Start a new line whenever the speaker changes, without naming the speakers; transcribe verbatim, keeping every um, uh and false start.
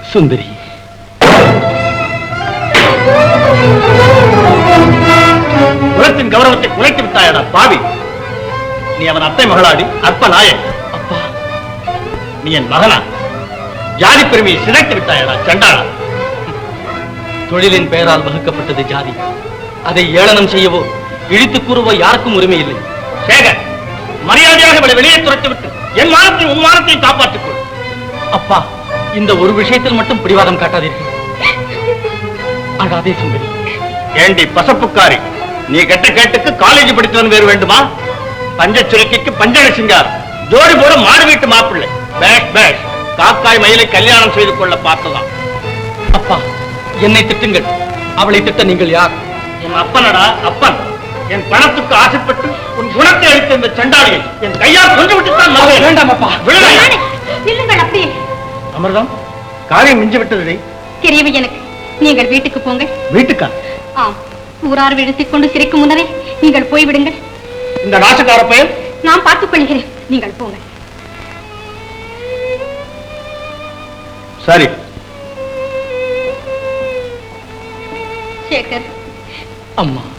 சுந்தரி,
குலத்தின் கௌரவத்தை குலைத்து விட்டாயடா பாவி. நீ அவன் அத்தை மகளாடி அற்ப நாயன்.
அப்பா,
நீ என் மகனா? ஜாதி பெருமையை சிதைத்து விட்டாயடா சண்டாளா.
தொழிலின் பெயரால் வகுக்கப்பட்டது ஜாதி. அதை ஏளனம் செய்யவோ இழித்து கூறவோ யாருக்கும் உரிமை இல்லை.
சேகர், மரியாதையாக இவளை வெளியே துரத்து விட்டு என் மானத்தையும் உன் மானத்தையும் காப்பாற்றிக் கொள்.
அப்பா, இந்த ஒரு விஷயத்தில் மட்டும் பிடிவாதம் காட்டாதீர்கள். அழாதே சுந்தரி.
ஏண்டி பசப்புக்காரி, நீ கெட்ட கேட்டுக்கு காலேஜ் படித்தவன் வேறு வேண்டுமா? பஞ்ச சுரக்கிக்கு பஞ்சன சிங்கார், ஜோடி போட மாடு வீட்டு மாப்பிள்ளை. பேஷ் பேஷ், காக்காய் மயிலை கல்யாணம் செய்து கொள்ள பார்த்ததான்.
அப்பா, என்னை திட்டுங்கள், அவளை திட்ட நீங்கள் யார்?
என் அப்பனடா அப்பன். என் பணத்துக்கு ஆசைப்பட்டு உன் குணத்தை அளித்த இந்த சண்டாளியை என் கையால் கொண்டு விட்டுத்தான்
வேண்டாம் அப்பா.
இல்லுங்கள் அப்படியே.
அமிர்தம், காரியம் மிஞ்சி விட்டது.
தெரியவே எனக்கு. நீங்கள் வீட்டுக்கு போங்கள்.
வீட்டுக்கா?
ஆம், ஊரார் விழுத்திக் கொண்டு சிரிக்கும் முன்னரே நீங்கள் போய்விடுங்கள்.
இந்த நாசக்கார பெயர்
நான் பார்த்துக் கொள்கிறேன். நீங்கள் போங்கள்.
சரி.
சேகர்.
அம்மா,